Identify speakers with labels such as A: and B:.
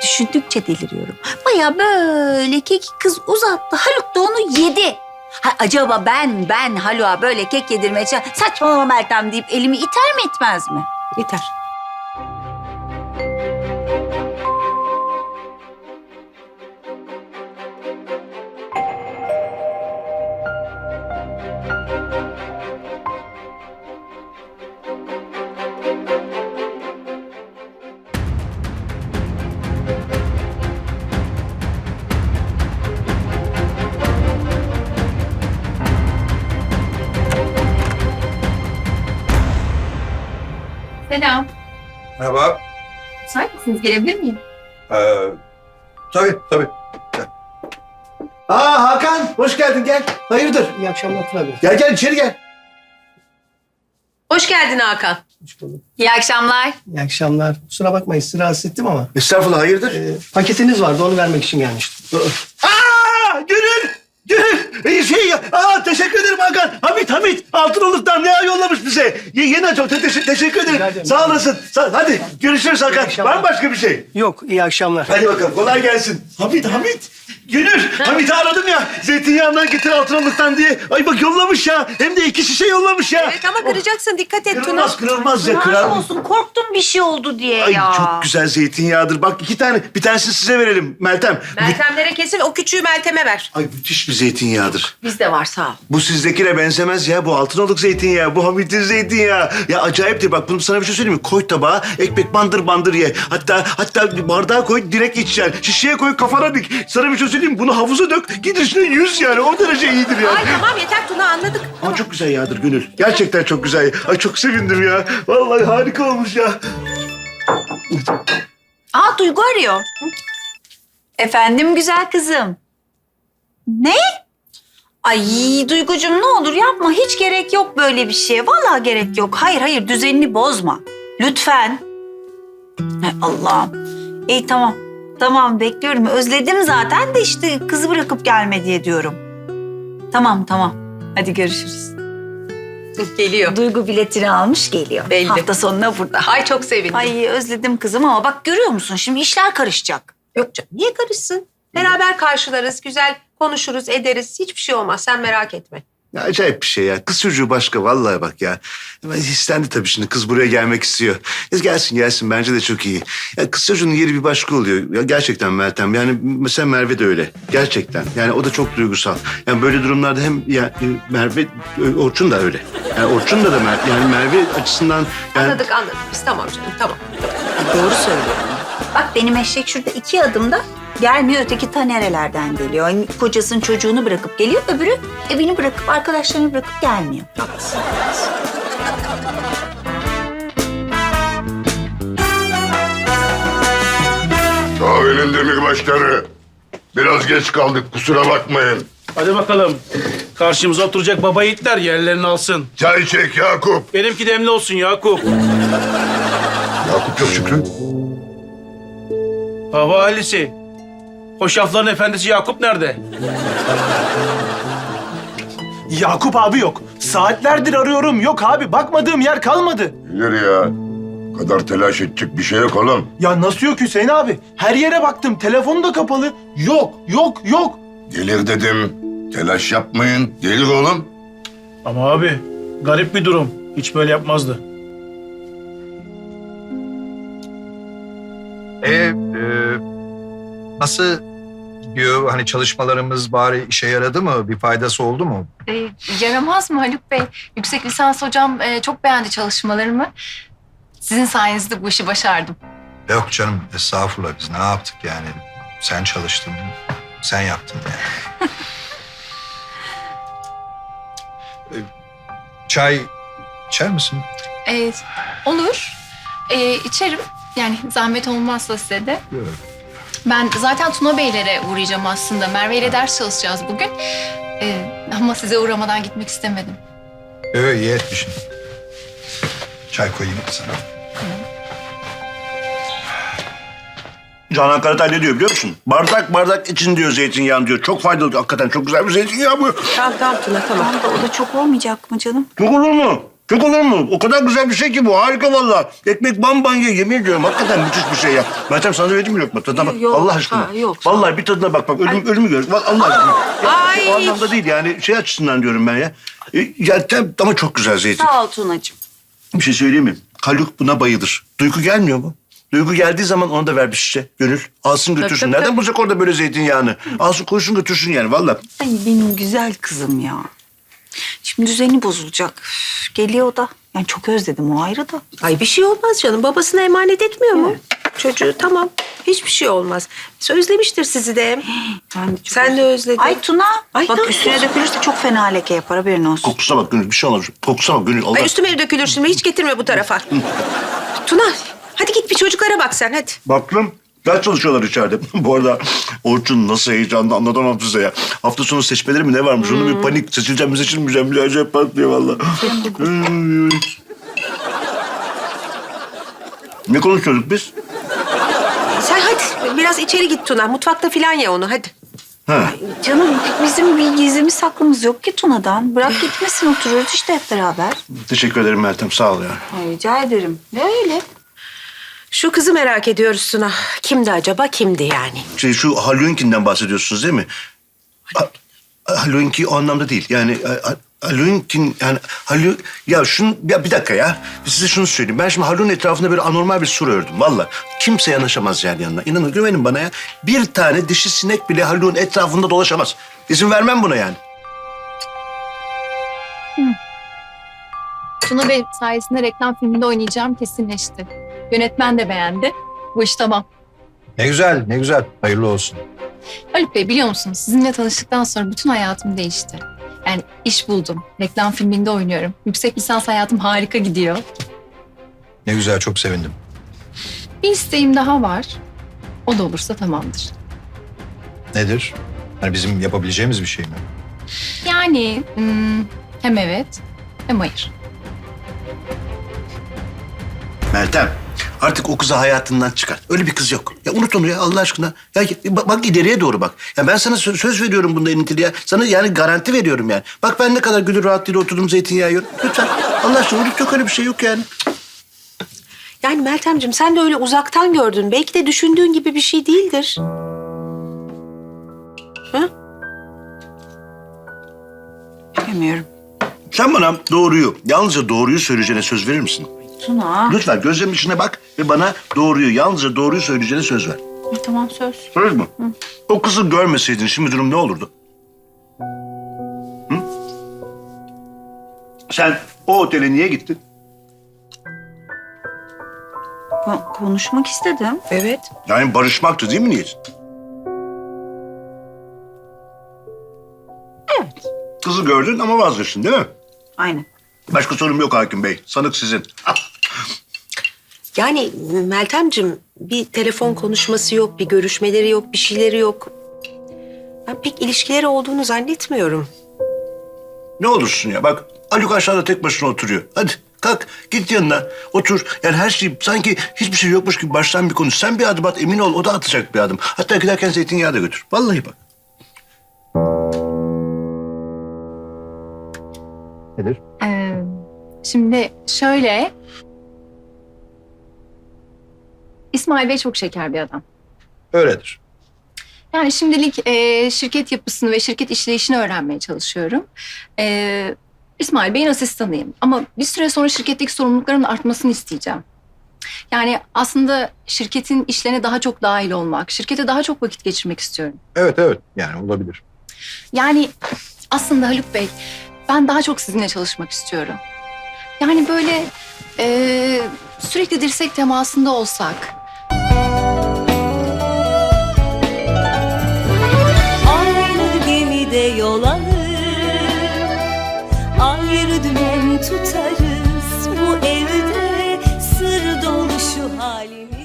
A: düşündükçe deliriyorum. Baya böyle kek kız uzattı. Haluk da onu yedi. Ha, acaba ben Haluk'a böyle kek yedirmeye saçmalama Meltem deyip elimi iter mi etmez mi?
B: Yeter.
C: Selam.
D: Merhaba.
C: Müsait misiniz? Gelebilir miyim?
D: Tabii. Gel. Hakan, hoş geldin gel. Hayırdır?
B: İyi akşamlar Tuna Bey.
D: Gel içeri gel.
B: Hoş geldin Hakan.
A: İyi akşamlar.
B: İyi akşamlar. Kusura bakmayın sizi rahatsız ettim ama
D: Estağfurullah, hayırdır?
B: paketiniz vardı onu vermek için gelmiştim.
D: Gönül! Teşekkür ederim Hakan. Hamit, Altınoluk'tan ne yollamış bize. Yeni çok teşekkür ederim.
B: Rica ederim.
D: Sağ olasın. Hadi görüşürüz Hakan.
B: akşamlar.
D: Var mı başka bir şey?
B: Yok iyi akşamlar.
D: Hadi bakalım, kolay gelsin. Hamit. Gönül, Hamit'i aradım ya. Zeytinyağından getir Altınoluk'tan diye. Ay bak yollamış ya. Hem de 2 şişe yollamış ya.
E: Evet ama kıracaksın dikkat et Tuna.
D: Kırılmaz ya.
A: Aşk olsun korktum bir şey oldu diye
D: Ay
A: ya.
D: çok güzel zeytinyağıdır. Bak 2 tane. Bir tanesini size verelim Meltem.
E: Meltemlere kesin o küçüğü Meltem'e ver.
D: Ay müthiş bir zeytinyağıdır.
E: Bizde var sağ ol.
D: Bu sizdekine benzemez ya. Bu Altınoluk zeytinyağı. Bu Hamit'in zeytinyağı. Ya acayiptir. Bak bunu sana bir şey söyleyeyim mi? Koy tabağa, ekmek bandır ye. Hatta bardağa koy, direkt içeceksin. Şişeye koy, kafana dik. Sana bir şey söyleyeyim mi? Bunu havuza dök, git üstüne yüz yani. O derece iyidir yani.
E: Ay tamam yeter Tuna anladık.
D: Ama çok güzel yağdır Gönül. Gerçekten çok güzel. Ay çok sevindim ya. Vallahi harika olmuş ya.
A: Aa Duygu arıyor. Efendim güzel kızım. Ne? Ay Duygucuğum ne olur yapma. Hiç gerek yok böyle bir şeye. Vallahi gerek yok. Hayır düzenini bozma. Lütfen. Hay Allah'ım. İyi tamam. Tamam bekliyorum. Özledim zaten de işte kızı bırakıp gelme diye diyorum. Tamam. Hadi görüşürüz.
E: Geliyor.
A: Duygu biletini almış geliyor.
E: Belli.
A: Hafta sonuna burada.
E: Ay çok sevindim.
A: Ay özledim kızım ama bak görüyor musun şimdi işler karışacak.
E: Yok canım niye karışsın? Beraber karşılarız, güzel konuşuruz, ederiz. Hiçbir şey olmaz sen merak etme.
D: Ya acayip bir şey ya. Kız çocuğu başka vallahi bak ya. Hemen istendi tabii şimdi. Kız buraya gelmek istiyor. Gelsin. Bence de çok iyi. Ya kız çocuğunun yeri bir başka oluyor. Ya gerçekten Meltem. Yani mesela Merve de öyle. Gerçekten. Yani o da çok duygusal. Yani böyle durumlarda hem Merve, Orçun da öyle. Yani Orçun da yani Merve açısından... Yani...
E: Anladık biz tamam canım tamam.
A: Doğru söylüyorum. Bak benim eşek şurada 2 adımda gelmiyor. Öteki ta nerelerden geliyor. Yani kocasının çocuğunu bırakıp geliyor. Öbürü evini bırakıp arkadaşlarını bırakıp gelmiyor.
E: Haklısın.
F: Kahvenin demirbaşları. Biraz geç kaldık kusura bakmayın.
G: Hadi bakalım. Karşımıza oturacak baba yiğitler yerlerini alsın.
F: Çay çek Yakup.
G: Benimki demli olsun Yakup.
F: Yakup yok Şükrü.
G: Hava ailesi. Hoşafların efendisi Yakup nerede?
H: Yakup abi yok. Saatlerdir arıyorum. Yok abi. Bakmadığım yer kalmadı.
F: Bilir ya. Bu kadar telaş edecek bir şey yok oğlum.
H: Ya nasıl yok Hüseyin abi? Her yere baktım. Telefonu da kapalı. Yok.
F: Gelir dedim. Telaş yapmayın. Gelir oğlum.
G: Ama abi garip bir durum. Hiç böyle yapmazdı.
I: Nasıl gidiyor? Hani çalışmalarımız bari işe yaradı mı? Bir faydası oldu mu?
C: Yaramaz mı Haluk Bey? Yüksek lisans hocam çok beğendi çalışmalarımı. Sizin sayenizde bu işi başardım.
I: Yok canım, estağfurullah, biz ne yaptık yani? Sen çalıştın, sen yaptın yani. Çay içer misin?
C: Olur. İçerim. Yani zahmet olmazsa size de.
I: Yok.
C: Ben zaten Tuna Beylere uğrayacağım aslında. Merve ile ders çalışacağız bugün. Ama size uğramadan gitmek istemedim.
I: Evet, iyi etmişsin. Çay koyayım sana.
D: Canan Karatay ne diyor biliyor musun? Bardak için diyor zeytinyağını diyor. Çok faydalı. Hakikaten çok güzel bir zeytinyağı bu.
E: Tamam Tuna tamam.
A: Tamam da o da çok olmayacak mı canım?
D: Çok olur mu? Çok olur mu? O kadar güzel bir şey ki bu. Harika vallahi. Ekmek bamban ye. Yemin ediyorum hakikaten müthiş bir şey ya. Meltem sana vereyim mi lokma? Tadına bak.
E: Yok,
D: Allah aşkına.
E: ha, yok.
D: Vallahi bir tadına bak. Ölümü gör. Allah aşkına. Ya,
E: Ay.
D: o anlamda değil yani. Şey açısından diyorum ben ya. Ama çok güzel zeytin.
A: Sağ ol Tunacığım.
D: Bir şey söyleyeyim mi? Haluk buna bayılır. Duygu gelmiyor mu? Duygu geldiği zaman ona da ver bir şişe. Gönül. Alsın götürsün.
E: tabii,
D: Nereden
E: tabii.
D: bulacak orada böyle zeytinyağını? Alsın koysun götürsün yani vallahi.
A: Ay benim güzel kızım ya. Şimdi düzeni bozulacak. Üf, geliyor o da. Yani çok özledim o ayrı da.
E: Ay bir şey olmaz canım. Babasına emanet etmiyor mu? Çocuğu tamam. Hiçbir şey olmaz. Özlemiştir sizi de.
A: Ben de çok
E: Sen de özledin.
A: Ay Tuna.
E: Ay,
A: bak
E: tamam.
A: üstüne dökülürse çok fena leke yapar haberin olsun.
D: Kokusuna bak Gönül. Bir şey olmaz. Kokusuna bak Gönül. Allah.
E: Ay üstüme dökülür şimdi. Hiç getirme bu tarafa. Tuna hadi git bir çocuklara bak sen hadi.
D: Baktım. Ders çalışıyorlar içeride. Bu arada Orçun nasıl heyecanlı anlatamam size ya. Hafta sonu seçmeleri mi ne varmış? Onun bir panik. Seçileceğim mi seçilmeyeceğim mi? Acayip patlıyor valla. Ne konuşuyorduk biz?
E: Sen hadi biraz içeri git Tuna. Mutfakta filan ya onu hadi.
D: Ha.
A: Canım bizim bir gizlimiz saklımız yok ki Tuna'dan. Bırak gitmesin oturuyoruz işte hep beraber.
D: Teşekkür ederim Meltem. Sağ ol ya.
A: Ay, rica ederim. Ne öyle?
E: Şu kızı merak ediyoruz Tuna. Kimdi acaba kimdi yani?
D: Şu Halloween'kinden bahsediyorsunuz değil mi? Halloween'ki o anlamda değil. Yani Halloween'kin yani ya bir dakika ya. Size şunu söyleyeyim. Ben şimdi Halloween etrafında böyle anormal bir sur ördüm. Vallahi kimse yanaşamaz yani yanına. İnanın güvenin bana ya. Bir tane dişi sinek bile Halloween etrafında dolaşamaz. İzin vermem buna yani.
C: Tuna Bey sayesinde reklam filminde oynayacağım kesinleşti. Yönetmen de beğendi. Bu iş tamam.
I: Ne güzel, ne güzel. Hayırlı olsun.
C: Haluk Bey biliyor musunuz sizinle tanıştıktan sonra bütün hayatım değişti. Yani iş buldum. Reklam filminde oynuyorum. Yüksek lisans hayatım harika gidiyor.
I: Ne güzel, çok sevindim.
C: Bir isteğim daha var. O da olursa tamamdır.
I: Nedir? Hani bizim yapabileceğimiz bir şey mi?
C: Yani hem evet hem hayır.
D: Meltem artık o kızı hayatından çıkar. Öyle bir kız yok. Ya unut onu ya Allah aşkına. Ya bak ileriye doğru bak. Ya ben sana söz veriyorum bunda Enitili ya. Sana yani garanti veriyorum yani. Bak ben ne kadar gönül rahatlığıyla oturdum zeytinyağı yiyorum. Lütfen Allah aşkına unut yok öyle bir şey yok yani.
E: Yani Meltemciğim sen de öyle uzaktan gördün. Belki de düşündüğün gibi bir şey değildir.
A: Bilmiyorum.
D: Sen bana doğruyu, yalnızca doğruyu söyleyeceğine söz verir misin?
A: Tuna.
D: Lütfen gözlerimin içine bak ve bana yalnızca doğruyu söyleyeceğine söz ver.
A: Tamam söz.
D: Söz mü? O kızı görmeseydin şimdi durum ne olurdu? Hı? Sen o otele niye gittin?
A: Konuşmak istedim.
E: Evet.
D: Yani barışmaktı değil mi niyetin?
A: Evet.
D: Kızı gördün ama vazgeçtin değil mi?
A: Aynen.
D: Başka sorum yok hakim bey. Sanık sizin.
E: Yani Meltemciğim bir telefon konuşması yok, bir görüşmeleri yok, bir şeyleri yok. Ben pek ilişkileri olduğunu zannetmiyorum.
D: Ne olursun ya bak Haluk aşağıda tek başına oturuyor. Hadi kalk git yanına otur. Yani her şey sanki hiçbir şey yokmuş gibi baştan bir konuş. Sen bir adım at emin ol o da atacak bir adım. Hatta giderken zeytinyağı da götür. Vallahi bak.
I: Nedir?
C: Şimdi şöyle... İsmail Bey çok şeker bir adam.
I: Öyledir.
C: Yani şimdilik şirket yapısını ve şirket işleyişini öğrenmeye çalışıyorum. İsmail Bey'in asistanıyım. Ama bir süre sonra şirketteki sorumluluklarımın artmasını isteyeceğim. Yani aslında şirketin işlerine daha çok dahil olmak, şirkete daha çok vakit geçirmek istiyorum.
I: Evet, yani olabilir.
C: Yani aslında Haluk Bey, ben daha çok sizinle çalışmak istiyorum. Yani böyle sürekli dirsek temasında olsak.
J: Aynı gemide yol alır, ayrı dümen tutarız. Bu evde sır dolu şu halimiz.